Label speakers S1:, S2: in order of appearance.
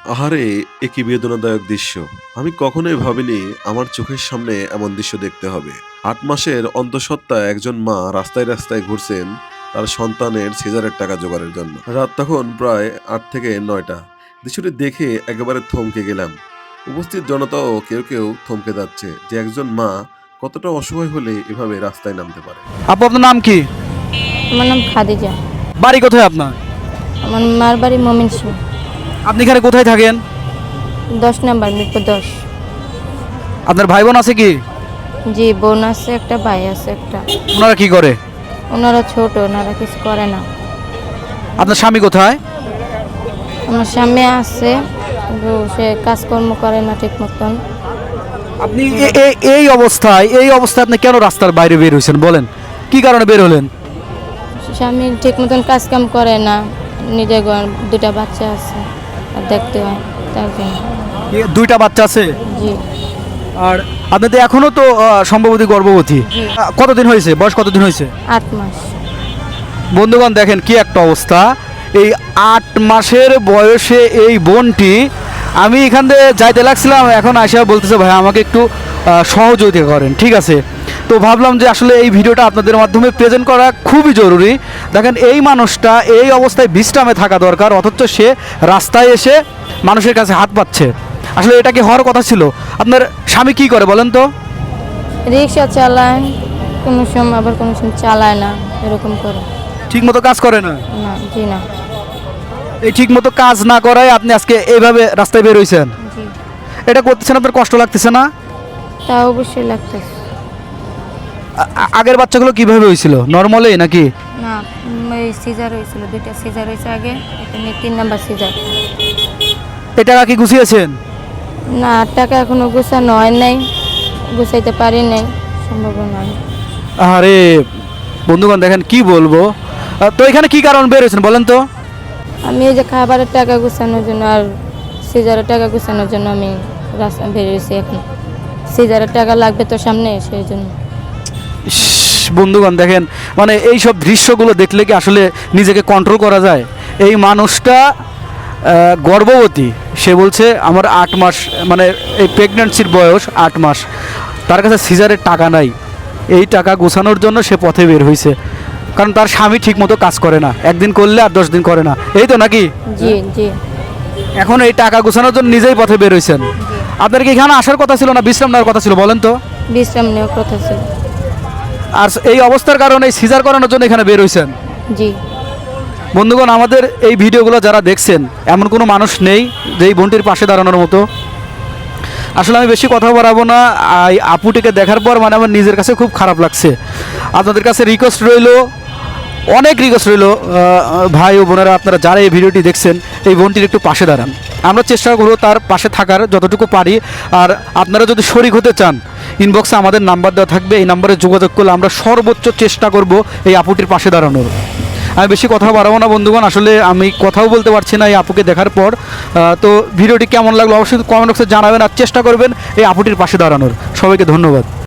S1: আহারে! এ কি বেদনাদায়ক দৃশ্য! আমি কখনোই ভাবিনি আমার চোখের সামনে এমন দৃশ্য দেখতে হবে। ৮ মাসের অন্তঃসত্ত্বা একজন মা রাস্তায়, রাস্তায় ঘুরছেন তার সন্তানের সিজারের টাকা জোগাড়ের জন্য। রাত তখন প্রায় ৮ থেকে ৯টা। দৃশ্যটি দেখে একেবারে থমকে গেলাম। উপস্থিত জনতাও কেউ থমকে যাচ্ছে যে একজন মা কতটা অসহায় হলে এভাবে রাস্তায় নামতে পারে।
S2: আপু, আপনার নাম কি?
S3: আমার নাম খাদিজা।
S2: বাড়ি কোথায় আপনার?
S3: আমার মার বাড়ি ময়মনসিংহ।
S2: আপনি এখানে কোথায় থাকেন?
S3: 10 নাম্বার মিরপুর 10।
S2: আপনার ভাই বোন আছে কি?
S3: জি, বোন আছে একটা, ভাই আছে একটা।
S2: ওনারা কি করে?
S3: ওনারা ছোট, ওনারা কিছু করে না।
S2: আপনার স্বামী কোথায়?
S3: আমার স্বামী আছে, কিন্তু সে কাজকর্ম করে না ঠিক মতন।
S2: আপনি এই অবস্থায় আপনি কেন রাস্তার বাইরে বের হয়েছেন বলেন? কি কারণে বের হলেন?
S3: স্বামী ঠিক মতন কাজ কাম করে না, নিজের ঘর 2টা বাচ্চা আছে আর দেখতে হয়, তার জন্য।
S2: দুইটা বাচ্চা আছে?
S3: জি।
S2: আর আপনি তো এখনো তো সম্ভবত গর্ভবতী।
S3: জি।
S2: কতদিন হয়েছে? বয়স কতদিন হয়েছে?
S3: 8 মাস।
S2: বন্ধুগণ, দেখেন কি একটা অবস্থা। এই 8 মাসের বয়সে এই বোনটি, আমি এখান থেকে যাইতে লাগছিলাম, এখন আসা বলতেছে ভাই আমাকে একটু সহযোগিতা করেন। ঠিক আছে, তো ভাবলাম যে আসলে এই ভিডিওটা আপনাদের মাধ্যমে প্রেজেন্ট করা খুবই জরুরি। দেখেন, এই মানুষটা এই অবস্থায় বিশ্রামে থাকা দরকার, অথচ সে রাস্তায় এসে মানুষের কাছে হাত পাচ্ছে। আসলে এটা কি হওয়ার কথা ছিল? আপনার স্বামী কি করে বলেন তো?
S3: রিক্সা চালায়, কোনো সময় আবার কোনো সময় চালায় না, এরকম করে।
S2: ঠিক মতো কাজ করে না?
S3: না, জি না।
S2: এই ঠিক মতো কাজ না করায় আপনি আজকে এইভাবে রাস্তায় বের হয়েছেন।
S3: জি।
S2: এটা করতেছেন, আপনার কষ্ট লাগতেছে না?
S3: তা অবশ্যই লাগতেছে।
S2: আগের বাচ্চাগুলো কিভাবে হয়েছিল? নর্মালি নাকি?
S3: না, এই সিজার হয়েছিল, 2টা সিজার হয়েছে আগে, এটা নিয়ে 3 নাম্বার সিজার।
S2: এই টাকা কি গুছিয়েছেন?
S3: না, টাকা এখনো গোছানো হয় নাই, গুছাইতে পারি নাই, সম্ভব নয়।
S2: আরে বন্ধুগণ, দেখেন কি বলবো। তো এখানে কি কারণ বের হয়েছেন বলেন তো?
S3: আমি এই যে খাবারের টাকা গোছানোর জন্য আর সিজারের টাকা গোছানোর জন্য আমি রাস্তা বেরিয়েছি। এখন সিজারের টাকা লাগবে তো সামনে, সেই জন্য।
S2: ইস, বন্ধুগণ দেখেন, মানে এই সব দৃশ্যগুলো দেখলে কি আসলে নিজেকে কন্ট্রোল করা যায়? এই মানুষটা গর্ভবতী, সে বলছে আমার 8 মাস, মানে এই প্রেগন্যান্সির বয়স 8 মাস, তার কাছে সিজারের টাকা নাই। এই টাকা গোছানোর জন্য সে পথে বের হয়েছে, কারণ তার স্বামী ঠিকমতো কাজ করে না, একদিন করলে আর 10 দিন করে না, এই তো নাকি?
S3: জি জি।
S2: এখন এই টাকা গোছানোর জন্য নিজেই পথে বের হয়েছেন। আপনার কি এখানে আসার কথা ছিল না বিশ্রাম নেওয়ার কথা ছিল বলেন তো?
S3: বিশ্রাম নেওয়ার কথা ছিল।
S2: আর এই অবস্থার কারণে এই সিজার করানোর জন্য এখানে বের হয়েছেন।
S3: জি।
S2: বন্ধুগণ, আমাদের এই ভিডিওগুলো যারা দেখছেন, এমন কোনো মানুষ নেই যে এই বোনটির পাশে দাঁড়ানোর মতো। আসলে আমি বেশি কথা বাড়াবো না। এই আপুটিকে দেখার পর মানে আমার নিজের কাছে খুব খারাপ লাগছে। আপনাদের কাছে রিকোয়েস্ট রইল, অনেক রিকোয়েস্ট রইল, ভাই ও বোনেরা, আপনারা যারা এই ভিডিওটি দেখছেন, এই বোনটির একটু পাশে দাঁড়ান। আমরা চেষ্টা করবো তার পাশে থাকার যতটুকু পারি। আর আপনারা যদি শরিক হতে চান, ইনবক্সে আমাদের নাম্বার দেওয়া থাকবে, এই নাম্বারে যোগাযোগ করলে আমরা সর্বোচ্চ চেষ্টা করব এই আপুটির পাশে দাঁড়ানোর। আমি বেশি কথা বাড়াবো না বন্ধুগণ, আসলে আমি কথাও বলতে পারছি না এই আপুকে দেখার পর। তো ভিডিওটি কেমন লাগলো অবশ্যই কমেন্ট বক্সে জানাবেন, আর চেষ্টা করবেন এই আপুটির পাশে দাঁড়ানোর। সবাইকে ধন্যবাদ।